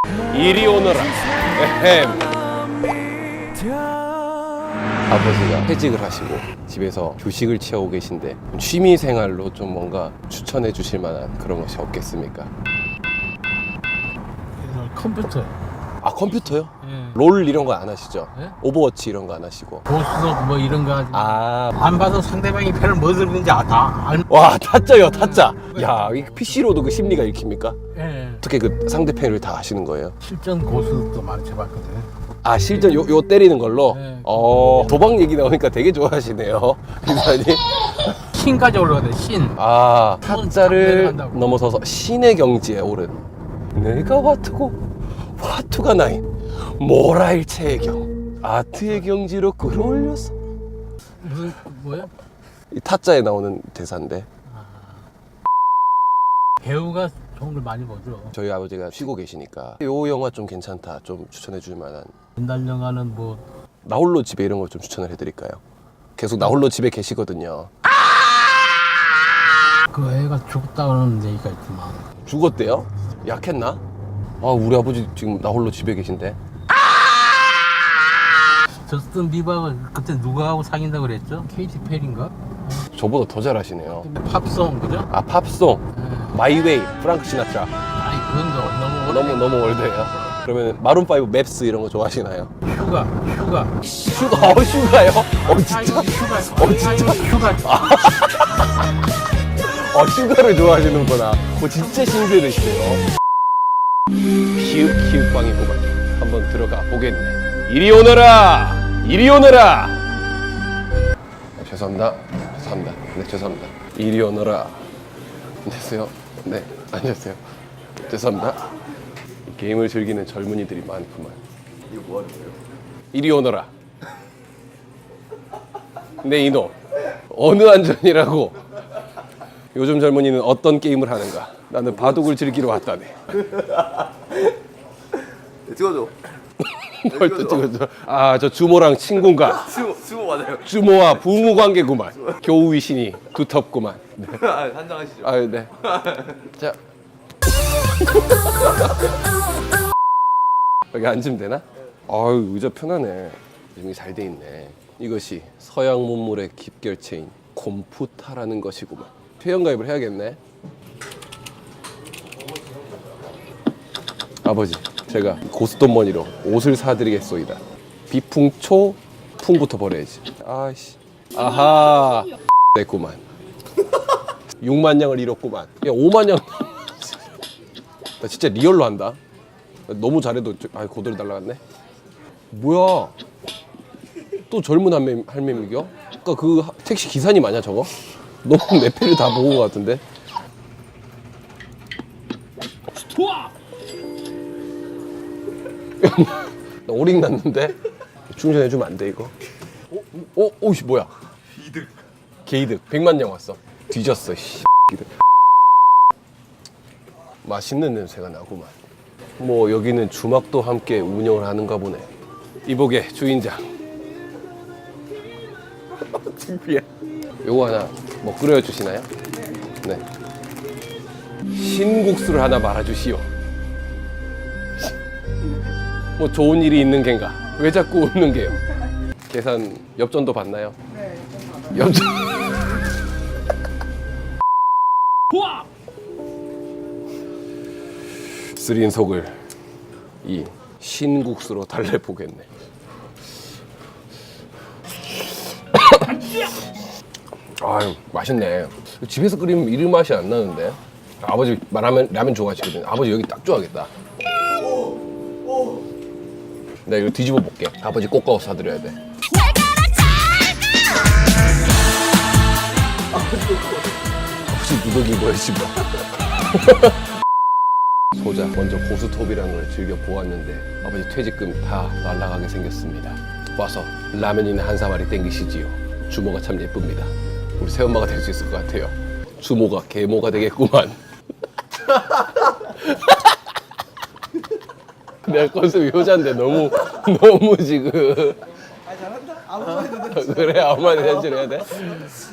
이리 오너라. 에헴. 아버지가 퇴직을 하시고 집에서 휴식을 취하고 계신데 취미 생활로 좀 뭔가 추천해 주실 만한 그런 것이 없겠습니까? 컴퓨터. 아, 컴퓨터요? 예. 롤 이런 거 안 하시죠? 예? 오버워치 이런 거 안 하시고. 보수석 뭐 이런 거 하지. 안 봐도 상대방이 편을 뭐 들는지 다 알. 와, 타짜요, 타짜. 야, 이 PC로도 그 심리가 읽힙니까? 예. 어떻게 그 상대편을 다 하시는 거예요? 실전 고수도 많이 해봤거든. 아, 실전 요 때리는 걸로? 네. 도박 얘기 나오니까 되게 좋아하시네요, 기사님. 신까지 올라가대. 신. 아, 타짜를 내려간다고. 넘어서서 신의 경지에 오른 내가 화투고 화투가 나인 모라일체의 경 아트의 경지로 끌어올렸어. 무슨 뭐야? 이 타짜에 나오는 대사인데 배우가 좋은 걸 많이 보죠. 저희 아버지가 쉬고 계시니까 요 영화 좀 괜찮다, 좀 추천해 줄 만한. 옛날 영화는 뭐 나홀로 집에 이런 거 좀 추천을 해드릴까요? 계속 나홀로 집에 계시거든요. 그 애가 죽었다는 얘기가 있지만 죽었대요? 약했나? 아, 우리 아버지 지금 나홀로 집에 계신데. 저스틴 비버가 그때 누가 하고 사귄다고 그랬죠? 케이티 페리인가? 저보다 더 잘하시네요. 팝송 그죠? 아, 팝송 예. 마이웨이 프랑크 시나트라. 아니 그건 너무 너무 올드해요. 그러면 마룬5 맵스 이런 거 좋아하시나요? 휴가 슈가요? 진짜? 휴가 휴가 슈가를 좋아하시는구나. 진짜 신세대시네요. 키읔키읔빵이구만. 한번 들어가 보겠네. 이리 오너라! 이리 오너라! 죄송합니다. 네, 죄송합니다. 이리 오너라. 안녕하세요. 네, 안녕하세요. 죄송합니다. 게임을 즐기는 젊은이들이 많구만. 이거 뭐 하는 거예요? 이리 오너라. 네, 이놈. 어느 안전이라고. 요즘 젊은이는 어떤 게임을 하는가? 나는 바둑을 즐기러 왔다네. 네, 찍어줘. 뭘 또 찍어줘? 아, 저 주모랑 친구인가? 수고 맞아요. 주모와 부모 관계구만. 교우 위신이 두텁구만. 네. 한장 하시죠. 아유, 네. 자. 여기 앉으면 되나? 아유, 의자 편하네. 이름이 잘 돼 있네. 이것이 서양 문물의 깁결체인 콤푸타라는 것이구만. 회원가입을 해야겠네. 아버지, 제가 고스톱머니로 옷을 사드리겠소이다. 비풍초 풍부터 버려야지. 아이씨. 아하. 됐구만. 6만 양을 잃었구만. 야, 5만 양. 나 진짜 리얼로 한다. 너무 잘해도 고돌이 날라갔네. 뭐야? 또 젊은 할매미겨? 아까 그 택시 기사님 아니야 저거? 너무 내 패를 다 보고 온 것 같은데. 나 오링 났는데 충전해주면 안 돼 이거? 오씨 뭐야? 게이득 100만 양 왔어. 뒤졌어 씨. 맛있는 냄새가 나구만. 뭐 여기는 주막도 함께 운영을 하는가 보네. 이복의 주인장. 창피해. 요거 하나 뭐 끓여 주시나요? 네. 신국수를 하나 말아주시오. 뭐 좋은 일이 있는 겐가? 왜 자꾸 웃는 게요? 계산 엽전도 받나요? 네, 엽전. 쓰린 속을 이 신국수로 달래보겠네. 아유, 맛있네. 집에서 끓이면 이런 맛이 안 나는데. 아버지 라면 좋아하시거든. 아버지 여기 딱 좋아하겠다. 내가 이거 뒤집어 볼게. 아버지 꼭 가서 사드려야 돼. 아버지 누더기 뭐였지 뭐. 소자 먼저 고스톱이라는 걸 즐겨 보았는데 아버지 퇴직금 다 날라가게 생겼습니다. 와서 라면이나 한 사마리 땡기시지요. 주모가 참 예쁩니다. 우리 새엄마가 될 수 있을 것 같아요. 주모가 계모가 되겠구만. 내가 컨셉이 효자인데 너무 지금. 아 잘한다. 아무 말도 그래 아무 말이나 해줘야 돼.